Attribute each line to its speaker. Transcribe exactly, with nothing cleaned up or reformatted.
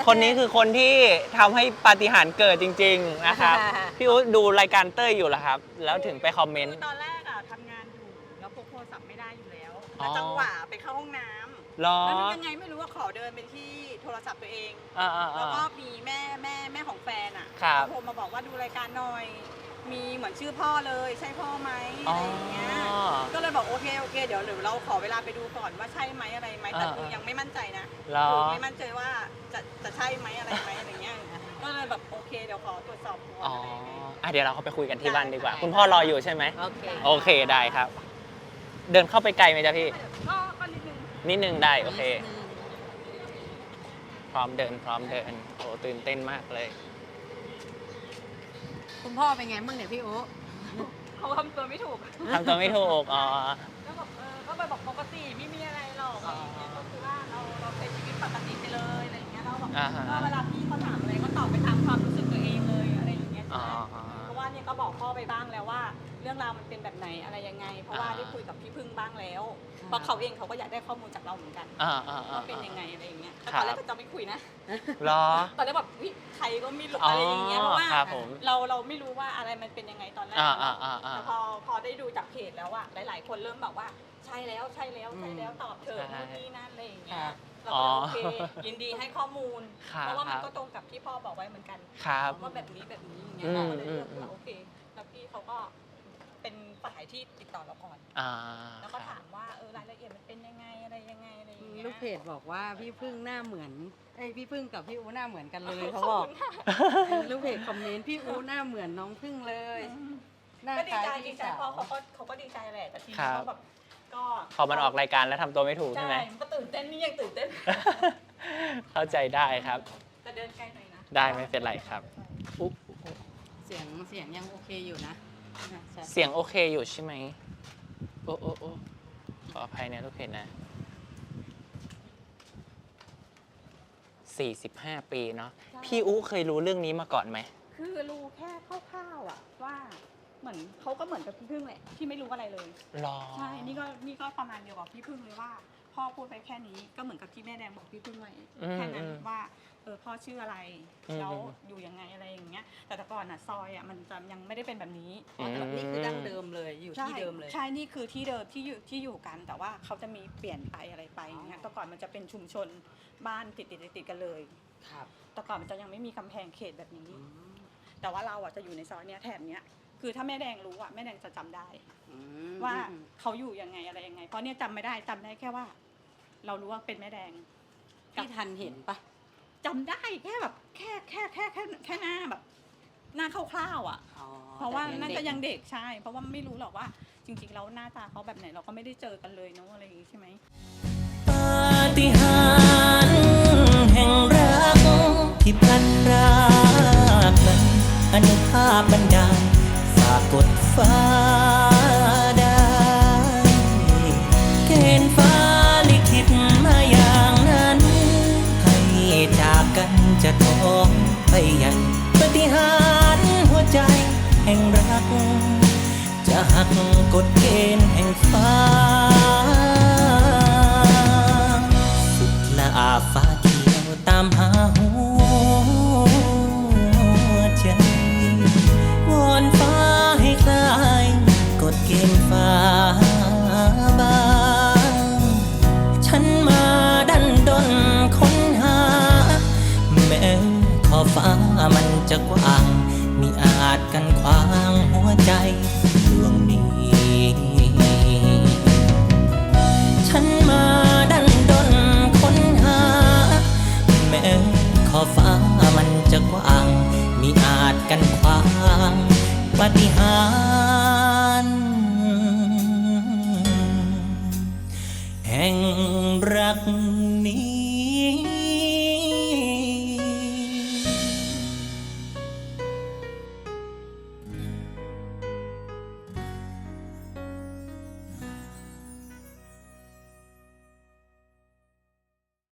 Speaker 1: คนนี้คือคนที่ทำให้ปาฏิหาริย์เกิดจริงๆนะครับพี่อุ๊ดูรายการเต้ยอยู่เหรอครับแล้วถึงไปคอมเมนต์
Speaker 2: ตอนแรกอ่ะทำงานอยู่แล้วพกโทรศัพท์ไม่ได้อยู่แล้วแล้วจังหวะไปเข้าห้องน้ำแล้วยังไงไม่รู้ว่าขอเดินไปที่โทรศัพท์ตัวเองแล้วก็มีแม่แม่แม่ของแฟนอ่ะโทรมาบอกว่าดูรายการหน่อยมีเหมือนชื่อพ่อเลยใช่พ่อไหมอะไรอย่างเงี้ยก็เลยบอกโอเคโอเคเดี๋ยวเดี๋ยวเราขอเวลาไปดูก่อนว่าใช่ไหมอะไรไหมแต่คือยังไม่มั่นใจนะคือไม่มั่นใจว่าจะจะใช่ไหมอะไรไหมอะไรเงี้ยก็เลยแบบโอเคเดี๋ยวขอตรวจสอบก่อนอะไรอย่างเงี้ย
Speaker 1: อ่ะเดี๋ยวเราเข้าไปคุยกันที่บ้านดีกว่าคุณพ่อรออยู่ใช่ไหม
Speaker 2: โอเค
Speaker 1: โอเคได้ครับเดินเข้าไปไกลไหมจ๊ะพี่
Speaker 2: ก็ก็นิดนึง
Speaker 1: นิดนึงได้โอเคพร้อมเดินพร้อมเดินโอ้ตื่นเต้นมากเลย
Speaker 3: คุณพ่อเป็นไงบ้างเนี่ยพี่โอ๊
Speaker 2: เขาทำตัวไม่ถูก
Speaker 1: ทำตัวไม่ถูกอ๋อ
Speaker 2: แล้วบอกเออก็ไปบอกปกติไม่มีอะไรหรอกอะไรอย่างเงี้ยก็คือว่าเราเราใช้ชีวิตปกติไปเลยอะไรอย่างเงี้ยเราบอกก็เวลาพี่เขาถามอะไรก็ตอบไปตามความรู้สึกตัวเองเลยอะไรอย่างเงี้ยใช่ไหมเพราะว่าเนี่ยก็บอกพ่อไปบ้างแล้วว่าเรื่องราวมันเป็นแบบไหนอะไรยังไงเพราะว่าได้คุยกับพี่พึ่งบ้างแล้วเพราะเขาเองเขาก็อยากได้ข้อมูลจากเราเหมือนกันว่าเป็นยังไงอะไรอย่างเงี้ยแต่ตอนแรกก็จะไม่คุยนะ
Speaker 1: รอ
Speaker 2: ตอนแรกแบบใครก็ไม่รู้อะไรอย่างเงี้ยเพราะว่าเราเราไม่รู้ว่าอะไรมันเป็นยังไงตอนแรกแต่พอพอได้ดูจากเพจแล้วอะหลายๆคนเริ่มแบบว่าใช่แล้วใช่แล้วใช่แล้วตอบเถอะนู่นนี่นั่นอะไรอย่างเงี้ยเราก็โอเคยินดีให้ข้อมูลเพราะว่ามันก็ตรงกับที่พ่อบอกไว้เหมือนกันว่าแบบนี้แบบนี้อย่างเงี้ยเราก็เลยเลือกว่าโอเคแล้วพี่เขาก็เป็นฝ่ายที่ติดต่อเราก่อนแล้วก็ถามว่าเออรายละเอียดมันเป็นยังไงอะไรยังไงอะไรอย่างเงี้ย
Speaker 3: ลูกเพจบอกว่าพี่พึ่งหน้าเหมือนไอ้พี่พึ่งกับพี่อู๋หน้าเหมือนกันเลยเขาบอกลูกเพจคอมเมนต์พี่อู๋หน้าเหมือนน้องพึ่งเลย
Speaker 2: ก็ดีใจดีใจเพราะเขาก็เขาก็ดีใจแหละแต่ทีนี้เขาแบบก็
Speaker 1: พอมันออกรายการแล้วทำตัวไม่ถูกใช่ไหม
Speaker 2: ก็ตื่นเต้นนี่ยังตื่นเต้น
Speaker 1: เข้าใจได้ครับ
Speaker 2: แต่เดินไกลหน่อยนะ
Speaker 1: ได้ไม่เป็นไรครับ
Speaker 3: เสียงเสียงยังโอเคอยู่นะ
Speaker 1: เสียงโอเคอยู่ใช่ไหมโอ้โอ้โอ้ขออภัยนะลูกเพจนะสี่สิบห้าปีเนาะพี่อุ๊เคยรู้เรื่องนี้มาก่อนไหม
Speaker 2: คือรู้แค่คร่าวๆอ่ะว่าเหมือนเขาก็เหมือนกับพี่พึ่งแหละที่ไม่รู้อะไรเลย
Speaker 1: หรอ
Speaker 2: ใช่นี่ก็นี่ก็ประมาณเดียวกับพี่พึ่งเลยว่าพ่อพูดไปแค่นี้ก็เหมือนกับที่แม่แดงบอกพี่พึ่งไว้แค่นั้นว่าเออพ่อชื่ออะไรแล้วอยู่ยังไงอะไรอย่างเงี้ยแต่แต่ก่อนอ่ะซอยอ่ะมันจะยังไม่ได้เป็นแบบนี้
Speaker 3: นี่คือดั้งเดิมเลยอยู่ที่เดิมเลย
Speaker 2: ใช่นี่คือที่เดิมที่อยู่ที่อยู่กันแต่ว่าเขาจะมีเปลี่ยนไปอะไรไปอย่างเงี้ยแต่ก่อนมันจะเป็นชุมชนบ้านติดติดติดกันเลย
Speaker 3: ครับ
Speaker 2: แต่ก่อนมันจะยังไม่มีกำแพงเขตแบบนี้แต่ว่าเราอ่ะจะอยู่ในซอยเนี้ยแถบเนี้ยคือถ้าแม่แดงรู้อ่ะแม่แดงจะจำได้ว่าเขาอยู่ยังไงอะไรยังไงเพราะเนี่ยจำไม่ได้จำได้แค่ว่าเรารู้ว่าเป็นแม่แดง
Speaker 3: ที่ทันเห็นปะ
Speaker 2: จำได้แค่แบบแค่แค่แค่แค่แค่หน้าแบบหน้าคร่าวๆอ่ะเพราะว่านั่นก็ยังเด็กใช่เพราะว่าไม่รู้หรอกว่าจริงๆแล้วหน้าตาเขาแบบไหนเราก็ไม่ได้เจอกันเลยเนาะอะไรอย่างงี้ใช่ไหม
Speaker 4: ปาฏิหาริย์แห่งรักที่พลันพรากนั้นอนุภาพบันดาลฝากกดฟ้าได้เกณฑ์ฟ้าลิขิตมาอย่างนั้นให้จากกันจะท้องไปยังปาฏิหาริย์หัวใจแห่งรักจะหักกฎเกณฑ์แห่งฟ้าสุดละอาฟ้าเขียวตามหาหัวใจวอนฟ้าให้คลายกฎเกณฑ์ฟ้าบางฉันมาดันดนค้นหาแม้ขอบฟ้ามันจะกว้างมิอาจกันขวางหัวใจดวงนี้ฉันมาดันดนค้นหาแม้ขอบฟ้ามันจะกว้างมิอาจกันขวางปาฏิหา